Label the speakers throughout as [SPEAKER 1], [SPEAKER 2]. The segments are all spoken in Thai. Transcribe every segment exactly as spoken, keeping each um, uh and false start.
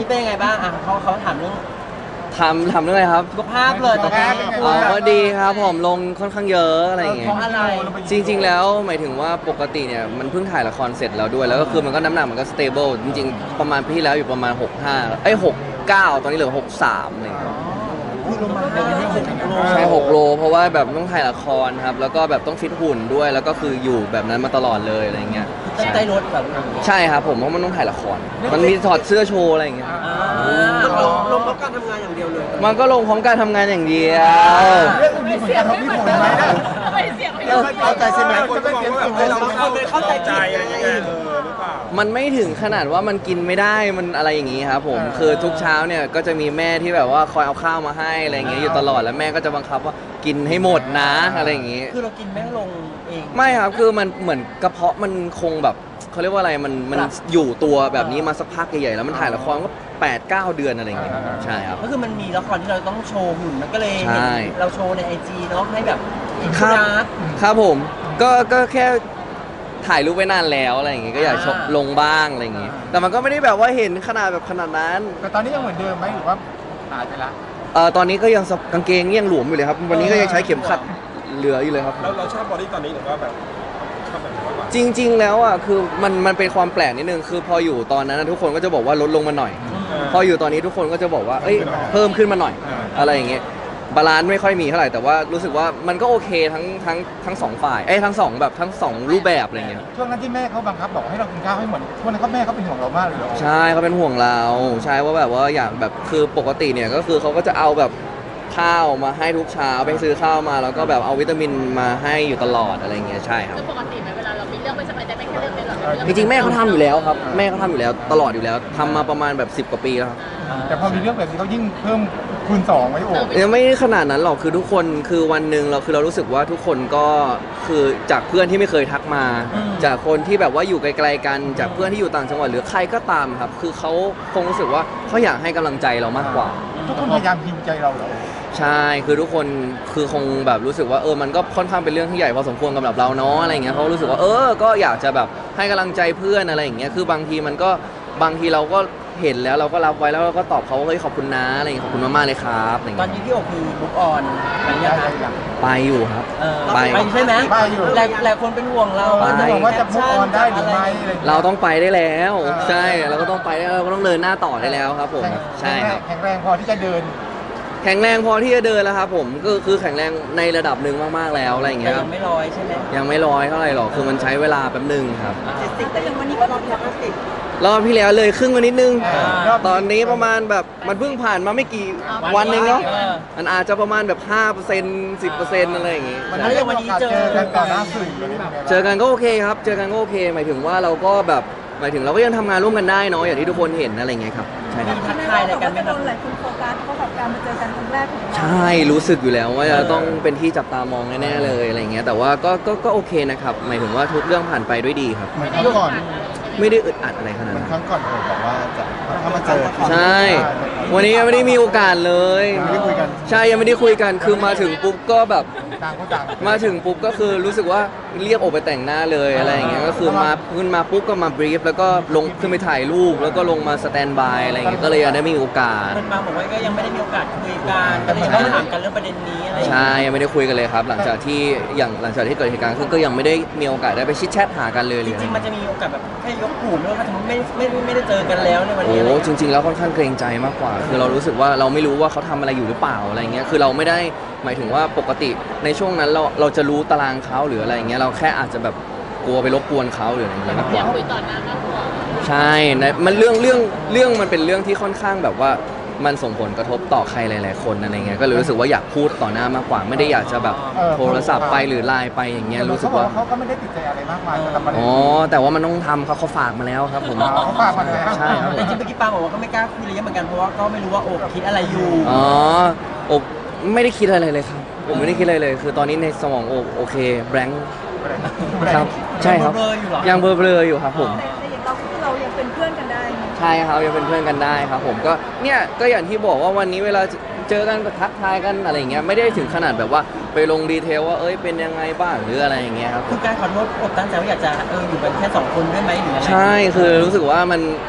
[SPEAKER 1] เป็นยังไงบ้างอ่ะเขาเขาถามเรื่อง
[SPEAKER 2] ทำทำเรื่องอะไรครับ
[SPEAKER 1] สุขภาพเลยตอนนี้
[SPEAKER 2] อ๋อก็ดีครับผมลงค่อนข้างเยอะอะไรอย่างเงี้
[SPEAKER 1] เพ
[SPEAKER 2] ย
[SPEAKER 1] ราะอะไร
[SPEAKER 2] จริง ๆ แล้วหมายถึงว่าปกติเนี่ยมันเพิ่งถ่ายละครเสร็จแล้วด้วยแล้วก็คือมันก็น้ำหนักมันก็สเตเบิลจริงๆประมาณปีที่แล้วอยู่ประมาณหกสิบห้าเอ้ยหกสิบเก้าตอนนี้เหลือหกสิบสามอะไรอย่างเงี้ย
[SPEAKER 1] คือลงมาห้าหกโล
[SPEAKER 2] ใช่หกโลเพราะว่าแบบต้องถ่ายละครครับแล้วก็แบบต้องฟิตหุ่นด้วยแล้วก็คืออยู่แบบนั้นมาตลอดเลยอะไรเงี้ย
[SPEAKER 1] ตั้งใจลดแบบ
[SPEAKER 2] ใช่ครับผมเพราะมันต้องถ่ายละครมันมีถอดเสื้อโชว์อะไรอย่างเงี้ย
[SPEAKER 1] ลงลงเพราะการทำงานอย่างเดียวเลย
[SPEAKER 2] มันก็ลงพร้อมการทำงานอย่างเดียว
[SPEAKER 3] เรื่องมีผลกระทบมีผลไหมนะ
[SPEAKER 4] เข้าใจใช่ไหม
[SPEAKER 3] จะไม่เก็บส่งให้เรา
[SPEAKER 1] เข้าใจ
[SPEAKER 4] ใจ
[SPEAKER 1] ผิด
[SPEAKER 4] อะไร
[SPEAKER 1] ยังไง
[SPEAKER 4] เงี้ยเออหรือเปล่า
[SPEAKER 2] มันไม่ถึงขนาดว่ามันกินไม่ได้มันอะไรอย่างงี้ครับผมคือทุกเช้าเนี่ยก็จะมีแม่ที่แบบว่าคอยเอาข้าวมาให้อะไรอย่างเงี้ยอยู่ตลอดแล้วแม่ก็จะบังคับว่ากินให้หมดนะอะไรอย่างงี้
[SPEAKER 1] คือเรากินไม่ลงเอง
[SPEAKER 2] ไม่ครับคือมันเหมือนกระเพาะมันคงแบบเขาเรียกว่าอะไรมันมันอยู่ตัวแบบนี้มาสักพักใหญ่ๆแล้วมันถ่ายละครก็แปดเก้าเดือนอะไรอย่างเงี้ยใช่ครับ
[SPEAKER 1] ก็คือมันมีละครที่เราต้องโชว์หุ่นมันก็เลย
[SPEAKER 2] ใช่
[SPEAKER 1] เราโชว์ในไอจีเนาะให้แบบ
[SPEAKER 2] ครับ
[SPEAKER 1] นะ
[SPEAKER 2] ครับผมก็ก็แค่ถ่ายรูปไว้นานแล้วอะไรอย่างเงี้ยก็อยากชกลงบ้างอะไรอย่างเงี้ยแต่มันก็ไม่ได้แบบว่าเห็นขนาดแบบขนาดนั้น
[SPEAKER 3] แต่ตอนนี้ยังเหมือนเดิมไหมหรือว่าหายไปละ
[SPEAKER 2] เอ่อตอนนี้ก็ยังกางเกงยังหลวมอยู่เลยครับ วันนี้ก็ยังใช้เข็มขัดเหลืออยู่เลยครับ
[SPEAKER 4] แล้วเราชอบบอดี้ตอนนี้หรือว่าแบบชอบแบบไหนมากกว่า
[SPEAKER 2] จริง ๆ แล้วอ่ะคือมันมันเป็นความแปลกนิดนึงคือพออยู่ตอนนั้นนะทุกคนก็จะบอกว่าลดลงมาหน่อย พออยู่ตอนนี้ทุกคนก็จะบอกว่าเอ้ยเพิ่มขึ้นมาหน่อย อะไรอย่างเงี้ยบาลานซ์ไม่ค่อยมีเท่าไหร่แต่ว่ารู้สึกว่ามันก็โอเคทั้งทั้งทั้งสองฝ่ายเอ้ยทั้งสองแบบทั้งสองรูปแบบอะไรเงี้ย
[SPEAKER 3] ช่วงนั้นที่แม่เขาบังคับบอกให้เรากินข้าวให้หมดช่วงนั้นเขาแม่เขาเป็นห่วงเรามากเลยเหรอ
[SPEAKER 2] ใช่เขาเป็นห่วงเราใช่ว่าแบบว่าอยากแบบคือปกติเนี่ยก็คือเขาก็จะเอาแบบข้าวมาให้ทุกเช้าไปซื้อข้าวมาแล้วก็แบบเอาวิตามินมาให้อยู่ตลอดอะไรเงี้ยใช่ครับ
[SPEAKER 5] คือปกติไหมเวลาเรามีเรื่องไม่สบายใจไม่แค่เรื่องนี้หรอก
[SPEAKER 2] จริงๆแม่เขาทำอยู่แล้วครับแม่เขาทำอยู่แล้วตลอดอยู่แล้วทำมาประมาณแบบสิบกว่าปีแล้วครับ
[SPEAKER 3] แต่พอมีเรื่องแบบนี้เขายิ่งเพิ่มคูณสองไว้โอ้
[SPEAKER 2] ยังไม่ขนาดนั้นหรอกคือทุกคนคือวันหนึ่งเราคือเรารู้สึกว่าทุกคนก็คือจากเพื่อนที่ไม่เคยทักมา จากคนที่แบบว่าอยู่ไกลๆกันจากเพื่อนที่อยู่ต่างจังหวัดหรือใครก็ตามครับ คือเขาคงรู้สึกว่าเขาอยากให้กำลังใจเรามากกว่า
[SPEAKER 3] ทุกคนพยายามฮิวใจเราเหรอ
[SPEAKER 2] ใช่คือทุกคนคือคงแบบรู้สึกว่าเออมันก็ค่อนข้างเป็นเรื่องที่ใหญ่พอสมควรสำหรับเราเนาะอะไรเงี้ยเขารู้สึกว่าเออก็อยากจะแบบให้กำลังใจเพื่อนอะไรอย่างเงี้ยคือบางทีมันก็บางทีเราก็เห็นแล้วเราก็รับไว้แล้วเราก็ตอบเขาว่าเฮ้ยขอบคุณนะอะไรเงี้ยขอบคุณมากๆเลยครับอะไร
[SPEAKER 1] ตอน
[SPEAKER 2] เงี้ย
[SPEAKER 1] นี้พี่โอคือลุกออนอะไรอย่างเงี้ยครับ
[SPEAKER 2] ไปอยู่ครับ
[SPEAKER 1] เออ
[SPEAKER 2] ไป
[SPEAKER 1] ไปใช่ไหม
[SPEAKER 3] ไปอยู่
[SPEAKER 1] หลายหลายคนเป็นห่วงเรา
[SPEAKER 2] ไป
[SPEAKER 3] จะบอกว่าจะมุกออนได้หรือไม่อะไรอย่างเงี้ย
[SPEAKER 2] เราต้องไปได้แล้ว ใช่เราก็ต้องไปได้เราก็ต้องเดินหน้าต่อได้แล้วครับผมใช่ครับ
[SPEAKER 3] แข็งแรงพอที่จะเดิน
[SPEAKER 2] แข็งแรงพอที่จะเดินแล้วครับผมก็คือแข็งแรงในระดับหนึ่งมากๆแล้วอะไรอย่าง
[SPEAKER 1] แต่
[SPEAKER 2] เงี้ยค
[SPEAKER 1] ยั
[SPEAKER 2] รับ
[SPEAKER 1] งไม่ลอยใช่ไหม
[SPEAKER 2] ยังไม่ร้อยเท่าไหร่หรอกคือมันใช้เวลาแป๊บหนึงครับ
[SPEAKER 1] เจ็ดสิบแต่ยังวันนี้ก็รอบที่ห้าสิบ
[SPEAKER 2] รอบที่แล้วเลยครึ่งมานิดนึง
[SPEAKER 3] รอบ
[SPEAKER 2] ตอนนี้ประมาณแบบมันเพิ่งผ่านมาไม่กี่วันเองเนาะมันอาจจะประมาณแบบห้าเปอร์เซ็นต์สิบเปอร์เซ็นต์อะไรอย่างงี้
[SPEAKER 3] มันได้มีโอกาสเจอกันต่อหน้าสื่อเลย
[SPEAKER 2] เจอกันก็โอเคครับ เจอกันก็โอเค หมายถึงว่าเราก็แบบหมายถึงเราก็ยังทำงานร่วมกันได้เนาะอย่างที่ทุกคนเห็นอะไรอย่างเงี้ยครับใช่ครับ
[SPEAKER 1] ทักทายอะไรกันไหมค
[SPEAKER 6] โด
[SPEAKER 1] รับ
[SPEAKER 6] นหลายคนโฟกัสเพราะแบบการมาเจอกันครั้งแรกของเรา
[SPEAKER 2] ใช่รู้สึกอยู่แล้วว่าจะต้องเป็นที่จับตามองแน่ๆเลยอะไรอย่างเงี้ยแต่ว่าก็ก็ก็โอเคนะครับหมายถึงว่าทุกเรื่องผ่านไปด้วยดีครับ
[SPEAKER 3] เหมือนครั้งก่อน
[SPEAKER 2] ไม่ได้อึดอัดอะไรขนาด
[SPEAKER 3] เหมือน
[SPEAKER 2] นั้น
[SPEAKER 3] ครั้งก่อนผมบอกว่าจะถ้ามาเจอ
[SPEAKER 2] ใช่ วันนี้ยังไม่ได้มีโอกาสเลย
[SPEAKER 3] ไม่ได้คุยกัน
[SPEAKER 2] ใช่ยังไม่ได้คุยกันคือมาถึงปุ๊บก็แบบ
[SPEAKER 3] ต่างคนต่าง
[SPEAKER 2] มาถึงปุ๊บก็คือรู้สึกว่าเรียกโอไปแต่งหน้าเลยอะไรอย่างเงี้ยก็คือมาขึ้นมาปุ๊บก็มาบรีฟแล้วก็ลงขึ้นไปถ่ายรูปแล้วก็ลงมาสแตนบายอะไรอย่างเงี้ยก็เลยยังได้มีโอกาส
[SPEAKER 1] มันมาบอกว่าก็ยังไม่ได้มีโอกาสคุยกันก็เลยต้องถามกันเรื่องประเด็นนี้อะไรอย่างเงี้ย
[SPEAKER 2] ใช่ยังไม่ได้คุยกันเลยครับ หลังจากที่อย่างหลังจากที่เกิดเหตุการณ์ขึ้นก็ยังไม่ได้มีโอกาสได้ไปชิดแชทหากันเลย
[SPEAKER 1] จ
[SPEAKER 2] เลย
[SPEAKER 1] ริงๆมันจะมีโอกาสแบบแค่ยกหูไม่ว่าสมมติไม่ไม่ไม่ได้เจอกันแล้วในวัน
[SPEAKER 2] โอ้
[SPEAKER 1] นี้อะไรอย่าง
[SPEAKER 2] จ
[SPEAKER 1] เงี้ย
[SPEAKER 2] ริง ๆ แล้วค่อนข้างเกรงใจมากกว่า คือเรารู้สึกว่าเราไม่รู้ว่าเขาทำอะไรอยู่หรือเปล่าอะไรเงี้ยคือเราไม่ได้หมายถึงว่าปกติในช่วงนั้นเราเราจะรู้ตารางเขาหรืออะไรเงี้ยเราแค่อาจจะแบบกลัวไปรบกวนเขาหรืออะไรเงี้ยมากก
[SPEAKER 5] อยา
[SPEAKER 2] ว่าก
[SPEAKER 5] คุยต่อหน้ามากกว่า
[SPEAKER 2] ใช่นะมันเรื่องเรื่องเรื่องมันเป็นเรื่องที่ค่อนข้างแบบว่ามันส่งผลกระทบต่อใครหลาย ๆ คนอะไรเงี้ยก็เลยรู้สึกว่าอยากพูดต่อหน้ามากกว่า ไม่ได้อยากจะแบบโทรศัพท์ไปหรือไลน์ไปอย่างเงี้ยรู้สึกว่า
[SPEAKER 3] เขาก็ไม่ได้ติดใจอะไรมากมายสำหรับประเด็น
[SPEAKER 2] อ๋อแต่ว่ามันต้องทำเขาเขาฝากมาแล้วครับผม
[SPEAKER 3] เขาฝากมาแล้ว
[SPEAKER 2] ใช่ครับ
[SPEAKER 1] แต่จริงๆเมื่อกี้ปาบอกว่าก็ไม่กล้าคุยอะไรเยอะเหมือนกันเพราะว่าก็ไม่รู้ว่าโอบคิดอะไรอยู่
[SPEAKER 2] อ๋อโอบไม่ได้คิดอะไรเลยครับผมไม่ได้คิดอะไรเลย คือตอนนี้ในสมองโอบโอเคแบงค์ครับใช่ครับ
[SPEAKER 1] เบลอๆอยู่เหรอ
[SPEAKER 2] ยังเบลอๆอยู่ครับผม
[SPEAKER 6] แต่แต่อย่างเราคือเรายังเป็นเพื่อนกันได้ไง
[SPEAKER 2] ใช่ครับยังเป็นเพื่อนกันได้ครับผมก็เนี่ยก็อย่างที่บอกว่าวันนี้เวลาเจอกันก็ทักทายกันอะไรอย่างเงี้ยไม่ได้ถึงขนาดแบบว่าไปลงดีเทลว่าเอ้ยเป็นยังไงบ้างหรืออะไรอย่างเงี้ยครับผ
[SPEAKER 1] คื
[SPEAKER 2] ม
[SPEAKER 1] อการขอโทษอบตั้งใจว่าอยากจะเอออยู่กันแค่สองคนได้ไหมหรืออะไร
[SPEAKER 2] ใช่คือรู้สึกว่ามัน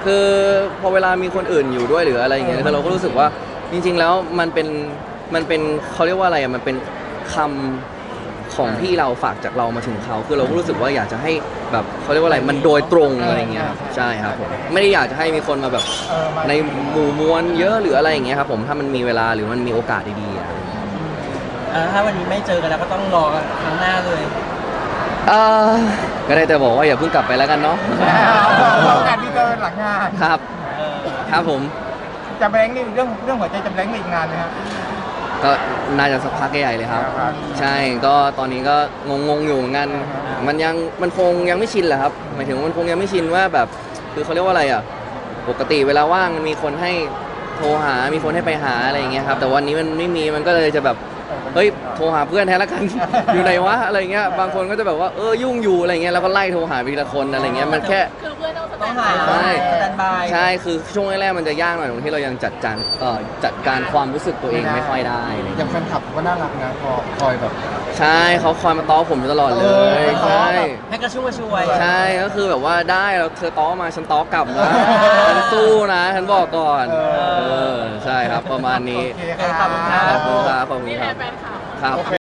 [SPEAKER 2] คือพอเวลามีคนอื่นอยู่ด้วยหรืออะไรอย่างเงี้ยคือเราก็รู้สึกว่าจริง ๆ แล้วมันเป็นมันเป็นเขาเรียกว่าอะไรอ่ะมันเป็นคำของที่เราฝากจากเรามาถึงเขาคือเราก็รู้สึกว่าอยากจะให้แบบเขาเรียกว่าอะไรมันโดยตรงอะไรอย่างเงี้ยครับใช่ครับผมไม่ได้อยากจะให้มีคนมาแบบ
[SPEAKER 3] เออมา
[SPEAKER 2] ในหมู่มวลเยอะหรืออะไรอย่างเงี้ยครับผมถ้ามันมีเวลาหรือมันมีโอกาสดีๆอ่ะ
[SPEAKER 1] อ่าถ้าวันนี้ไม่เจอกันแล้วก็ต้องรอครั้งหน้าเลย
[SPEAKER 2] เออก็ได้แต่บอกว่าอย่าเพิ่งกลับไปแล้วกันเนาะ
[SPEAKER 3] เราการที่เจอหลังงาน
[SPEAKER 2] ครับ
[SPEAKER 1] เออ
[SPEAKER 2] ครับผม
[SPEAKER 3] จะแบงค์นี่เรื่องเรื่องหัวใจจะแบงค์อีกนานไหมฮะ
[SPEAKER 2] ก็น่าจะสักพักใหญ่เลยครับ
[SPEAKER 3] ครับ
[SPEAKER 2] ใช่ก็ตอนนี้ก็งงๆอยู่เหมือนกันมันยังมันคงยังไม่ชินแหละครับหมายถึงว่ามันคงยังไม่ชินว่าแบบคือเขาเรียกว่าอะไรอ่ะปกติเวลาว่างมันมีคนให้โทรหา มีคนให้ไปหาอะไรอย่างเงี้ยครับแต่วันนี้มันไม่มีมันก็เลยจะแบบเฮ้ยโทรหาเพื่อนแทนละกัน อยู่ไหนวะอะไรเงี้ยบางคนก็จะแบบว่าเออยุ่งอยู่อะไรเงี้ยแล้วก็ไล่โทรหาไปทีละคนอะไรเงี้ยมันแค่
[SPEAKER 5] คือเพื่อนต้องส
[SPEAKER 1] ต้อง
[SPEAKER 5] แต
[SPEAKER 1] หาน
[SPEAKER 5] บาย
[SPEAKER 1] สแตนบาย
[SPEAKER 2] ใช่คือช่วงแรกๆมันจะยากหน่อยตรงที่เรายังจัดการเอ่อจัดการความรู้สึกตัวเองไม่ค่อยได้อะไร
[SPEAKER 3] อ
[SPEAKER 2] เงี้ย
[SPEAKER 3] ย่างแฟนคลับก็น่ารักนะพอคอยแบบ
[SPEAKER 2] ใช่เขาคอยมาต้อผมอยู่ตลอดเล
[SPEAKER 3] เออย
[SPEAKER 2] ใช่
[SPEAKER 1] ให้กระชุ่มกระชวย
[SPEAKER 2] ใช่ก็คือแบบว่าได้แล้วเธอต้อมาฉันต้อกลับนะฉันสู้นะฉันบอกก่อน
[SPEAKER 3] เออ
[SPEAKER 2] เออใช่ครับประมาณนี้
[SPEAKER 3] โอเคครับ
[SPEAKER 2] ขอบคุณครับขอบคุณ
[SPEAKER 5] นี่
[SPEAKER 2] ค
[SPEAKER 5] แห
[SPEAKER 2] รั
[SPEAKER 5] ละ
[SPEAKER 2] บ
[SPEAKER 5] แฟนคลับ
[SPEAKER 2] ครับ